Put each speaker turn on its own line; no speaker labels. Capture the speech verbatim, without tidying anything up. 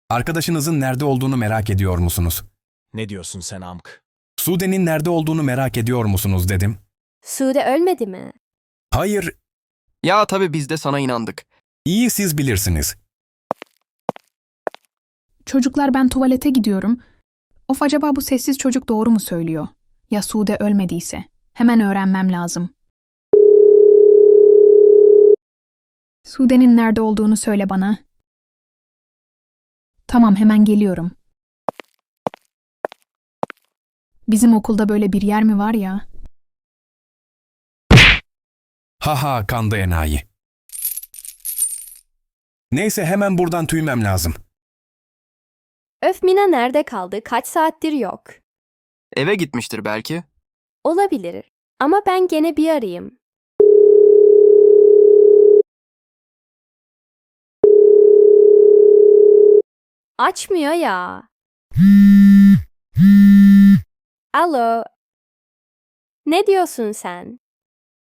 Arkadaşınızın nerede olduğunu merak ediyor musunuz?
Ne diyorsun sen amk?
Sude'nin nerede olduğunu merak ediyor musunuz dedim.
Sude ölmedi mi?
Hayır,
Ya tabii biz de sana inandık.
iyi siz bilirsiniz.
Çocuklar ben tuvalete gidiyorum. Of acaba bu sessiz çocuk doğru mu söylüyor? Ya Sude ölmediyse? Hemen öğrenmem lazım. Sude'nin nerede olduğunu söyle bana. Tamam hemen geliyorum. Bizim okulda böyle bir yer mi var ya?
Haha kandı enayi. Neyse hemen buradan tüymem lazım.
Öf Mina nerede kaldı? Kaç saattir yok.
Eve gitmiştir belki.
Olabilir. Ama ben gene bir arayayım. Açmıyor ya. Alo. Ne diyorsun sen?